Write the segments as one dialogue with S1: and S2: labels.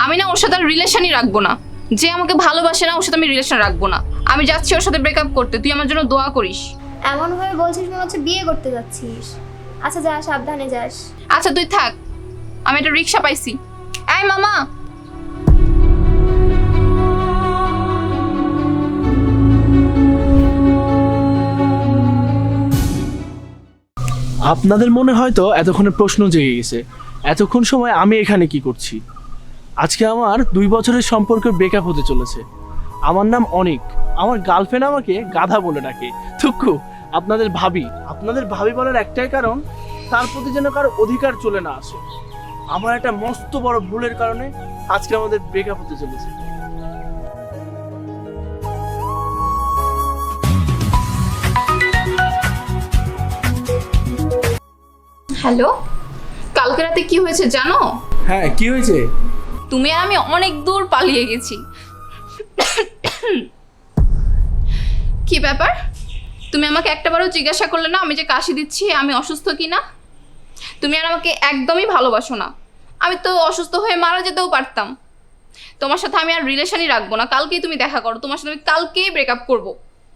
S1: আমি না ওর সাথে আর রিলেশনই রাখবো না। যে আমাকে ভালোবাসে না ওর সাথে আমি রিলেশন রাখবো না। আমি যাচ্ছি ওর সাথে ব্রেকআপ করতে, তুই আমার জন্য দোয়া করিস।
S2: এমন ভাবে বলছিস মনে হচ্ছে বিয়ে করতে যাচ্ছিস। আচ্ছা যা, সাবধানে যাস।
S1: আচ্ছা তুই থাক, আমি একটা রিক্সা পাইছি। এই মামা,
S3: আপনাদের মনে হয়তো এতক্ষণে প্রশ্ন জেগে গেছে, এতক্ষণ সময় আমি এখানে কি করছি। আজকে আমার 2 বছরের সম্পর্কে ব্রেকআপ হতে চলেছে। আমার নাম অনিক, আমার গার্লফ্রেন্ড আমাকে গাধা বলে ডাকে। থুক্কু, আপনাদের ভাবি বলার একটাই কারণ, তার প্রতি যেন কারো অধিকার চলে না আসে। আমার একটা মস্ত বড় ভুলের কারণে আজকে আমাদের ব্রেকআপ হতে চলেছে।
S1: হ্যালো, কালকে রাতে কি হয়েছে জানো?
S3: হ্যাঁ, কি হয়েছে?
S1: তুমি আর আমি অনেক দূর পালিয়ে গেছি। কি ব্যাপার, তুমি আমাকে একটাবারও জিজ্ঞাসা করলে না আমি যে কাশি দিচ্ছি আমি অসুস্থ কি না? তুমি আর আমাকে একদমই ভালোবাসো না। আমি তো অসুস্থ হয়ে মারা যেতেও পারতাম। তোমার সাথে আমি আর রিলেশনই রাখবো না। কালকেই তুমি দেখা করো, তোমার সাথে আমি কালকেই ব্রেকআপ করবো।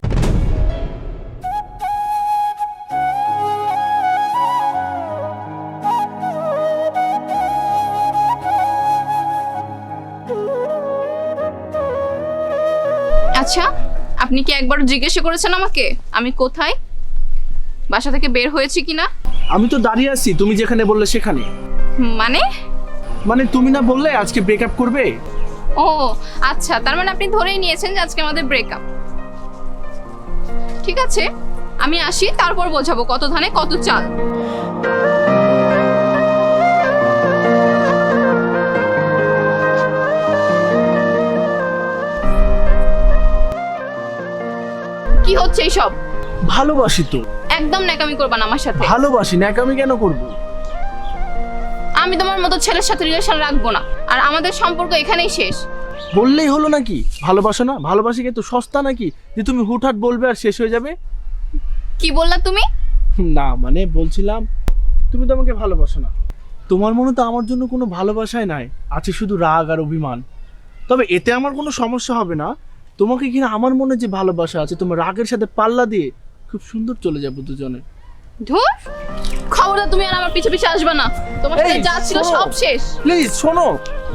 S1: আচ্ছা, আপনি কি একবার জিজ্ঞেস করেছেন আমাকে আমি কোথায়, বাসা থেকে বের হয়েছি কিনা?
S3: আমি তো দাঁড়িয়ে আছি তুমি যেখানে বললে সেখানে।
S1: মানে
S3: তুমি না বললে আজকে ব্রেকআপ করবে?
S1: ও আচ্ছা, তার মানে আপনি ধরেই নিয়েছেন যে আজকে আমাদের ব্রেকআপ। ঠিক আছে, আমি আসি, তারপর বোঝাবো কত ধানে কত চাল। কি হচ্ছে এইসব?
S3: ভালোবাসি তো।
S1: একদম ন্যাকামি করবা না আমার সাথে।
S3: ভালোবাসি, ন্যাকামি কেন করব?
S1: আমি তোমার মতো ছেলের সাথে রিলেশন রাখবো না, আর আমাদের সম্পর্ক এখানেই শেষ।
S3: বললেই হলো নাকি ভালোবাসো না? ভালোবাসি কি তো সস্তা নাকি যে তুমি হুটহাট বলবে আর শেষ হয়ে যাবে?
S1: কি বললা তুমি?
S3: না মানে বলছিলাম তুমি তো আমাকে ভালোবাসো না। তোমার মনে তো আমার জন্য কোনো ভালোবাসাই নাই, আছে শুধু রাগ আর অভিমান। তবে এতে আমার কোনো সমস্যা হবে না। তোমাকে কিনা আমার মনে যে ভালোবাসা আছে, তোমার রাগের সাথে পাল্লা দিয়ে খুব সুন্দর চলে যাবো দুজনে।
S1: ধুর, খবরদার তুমি আর আমার পিছে পিছে আসবে না। তোমার সাথে যা ছিল সব শেষ।
S3: প্লিজ শোনো।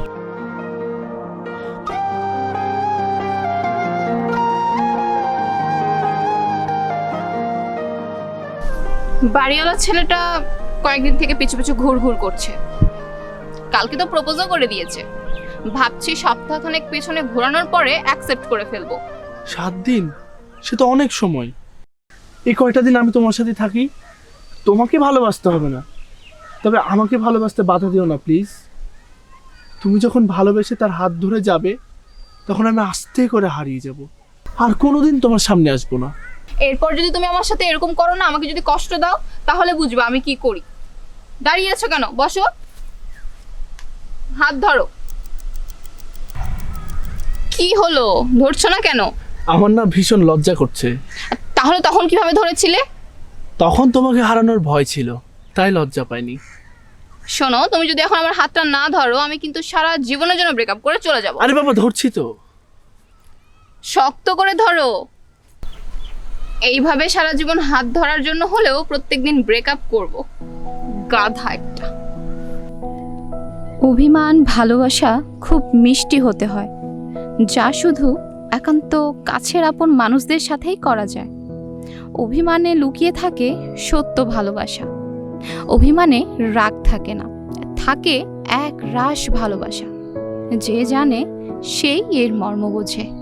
S1: বাড়িওয়ালা ছেলেটা কয়েকদিন থেকে পিছু পিছু ঘুর করছে। কালকে তো প্রপোজও করে দিয়েছে। ভাবছি সপ্তাহখানেক পেছনে ঘোরানোর পরে অ্যাকসেপ্ট করে ফেলবো।
S3: 7 দিন, সে তো অনেক সময়। এই কয়টা দিন আমি তোমার সাথে থাকি। তোমাকে ভালোবাসতে হবে না, তবে আমাকে ভালোবাসতে বাধা দিও না প্লিজ। তুমি যখন ভালোবেসে তার হাত ধরে যাবে তখন আমি আস্তে করে হারিয়ে যাব, আর কোনোদিন তোমার সামনে আসবো না।
S1: এরপর যদি তুমি আমার সাথে এরকম করো না, আমাকে যদি কষ্ট দাও, তাহলে বুঝবা আমি কি করি। দাঁড়িয়ে আছো কেন? বসো, হাত ধরো। কি হলো, ধরছো না কেন?
S3: আমার না ভীষণ লজ্জা করছে।
S1: তাহলে তখন কিভাবে ধরেছিলে?
S3: তখন তোমাকে হারানোর ভয় ছিল, তাই লজ্জা পাইনি।
S1: শোনো, তুমি যদি এখন আমার হাতটা না ধরো, আমি কিন্তু সারা জীবনের জন্য ব্রেকআপ করে চলে যাব।
S3: আরে বাবা, ধরছি তো।
S1: শক্ত করে ধরো। এইভাবে সারা জীবন হাত ধরার জন্য হলেও প্রত্যেকদিন ব্রেকআপ করব। গাধা একটা।
S4: অভিমান ভালোবাসা খুব মিষ্টি হতে হয়, যা শুধু একান্ত কাছের আপন মানুষদের সাথেই করা যায়। অভিমানে লুকিয়ে থাকে সত্য ভালোবাসা। অভিমানে রাগ থাকে না, থাকে এক রাশ ভালোবাসা। যে জানে সেই এর মর্ম বোঝে।